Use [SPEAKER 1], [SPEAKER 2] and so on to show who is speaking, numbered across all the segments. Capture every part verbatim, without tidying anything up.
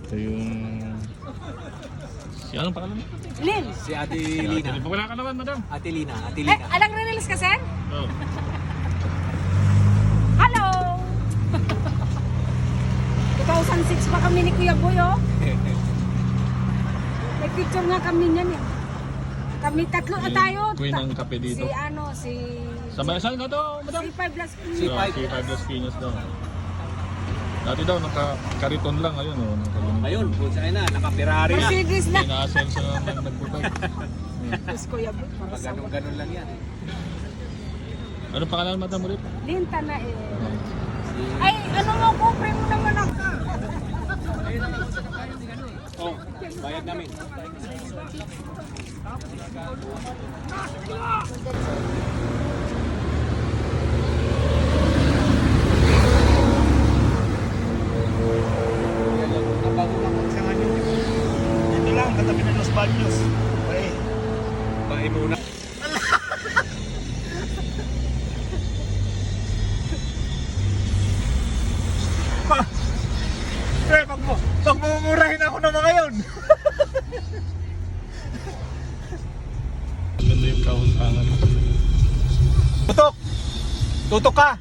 [SPEAKER 1] Ito yung... Si anong pangalan mo?
[SPEAKER 2] Lin.
[SPEAKER 3] Si Ate Lina.
[SPEAKER 1] Wala ka naman, madam.
[SPEAKER 3] Ate Lina, Ate
[SPEAKER 2] Eh,
[SPEAKER 3] Lina.
[SPEAKER 2] alang release ka, sir?
[SPEAKER 1] Oh.
[SPEAKER 2] Hello! two thousand six pa kami ni Kuya Boy, oh. May picture nga kami niyan, eh. Kami tatlo na tayo.
[SPEAKER 1] Queen ng kape dito.
[SPEAKER 2] Si ano, si...
[SPEAKER 1] Sa saan ka to, madam?
[SPEAKER 2] Si Five Las
[SPEAKER 3] Si
[SPEAKER 1] So,
[SPEAKER 3] Five.
[SPEAKER 1] si Five Las Piñas daw. Dati daw, naka-kariton lang. Ayun, oh. Naka-
[SPEAKER 3] Ngayon, kung saan na, naka-Ferrari na.
[SPEAKER 2] Mercedes na.
[SPEAKER 1] Ina-asenso na naman nagbubay.
[SPEAKER 2] Tapos Kuya Boy, para
[SPEAKER 3] Pag
[SPEAKER 2] sa...
[SPEAKER 3] ganun-ganun lang yan.
[SPEAKER 1] Ano pangalan, madam, ulit?
[SPEAKER 2] Linta na, eh.
[SPEAKER 3] Si...
[SPEAKER 2] Ay, ano mo, kupre mo naman ako.
[SPEAKER 3] Oh, bayad namin.
[SPEAKER 4] Dito lang, katabi ng Los Baños. Okay.
[SPEAKER 3] Bahay muna.
[SPEAKER 4] Eh, pag mo, pag mumurahin ako na mga yun.
[SPEAKER 1] Maganda yung kahuntangan.
[SPEAKER 4] Tutok! Tutok ka!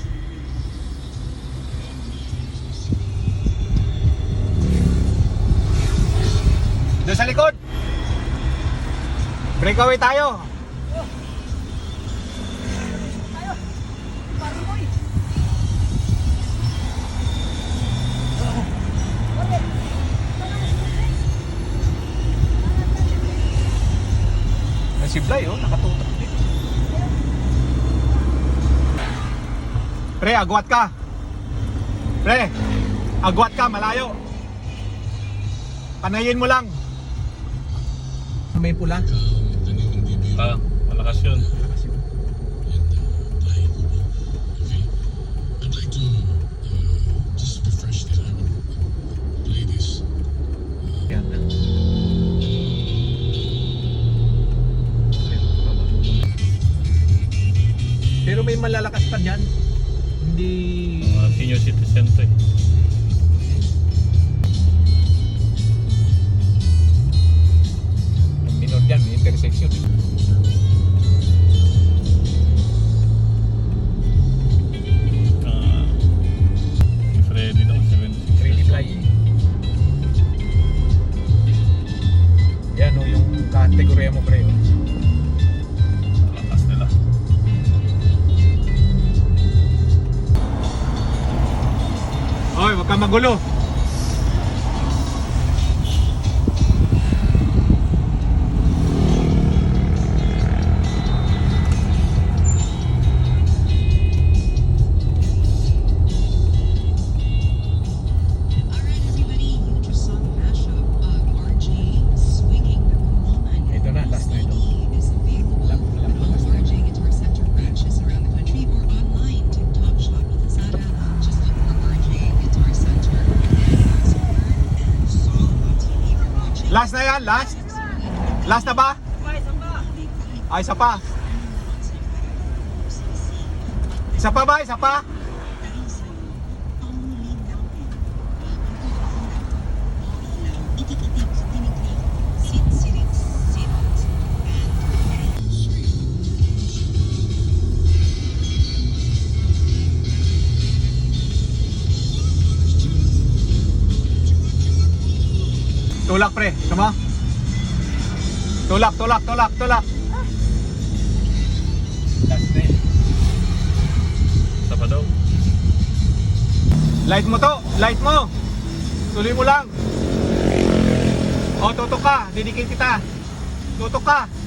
[SPEAKER 4] Doon sa likod! Breakaway tayo! Si Blay, oh, nakatutok din. Pre, agwat ka. Pre, agwat ka, malayo. Panayin mo lang. May pula.
[SPEAKER 1] Ah, malakas yun.
[SPEAKER 4] Yan. Pero may malalakas pa dyan. Hindi...
[SPEAKER 1] Mga senior citizen to eh.
[SPEAKER 4] Minor dyan, may intersection.
[SPEAKER 1] Ah, si Freddy daw, seventy-six.
[SPEAKER 4] Freddy Fly. Yan o, yung kategorya mo pre. Oh.
[SPEAKER 1] Malakas nila.
[SPEAKER 4] Oy, wag ka magulo.
[SPEAKER 5] Alright, everybody, you just saw the mashup of R J swinging the woman.
[SPEAKER 4] Ito na, last na ito.
[SPEAKER 5] Is available
[SPEAKER 4] Alam- alam ko
[SPEAKER 5] at all
[SPEAKER 4] last na
[SPEAKER 5] R J Guitar Center branches around the country or online. TikTok, Shopee, Lazada. Just look for R J Guitar Center. And ask for and saw on T V if you're watching.
[SPEAKER 4] Last na yan, last. Last na ba? Ay, isa pa. Isa pa ba? Isa pa? Tulak pre, sama? Tulak, tulak, tulak, tulak. Last na eh.
[SPEAKER 1] Isa pa daw.
[SPEAKER 4] Light mo to, light mo. Tuloy mo lang. O, tutok ka, didikit kita. Tutok ka.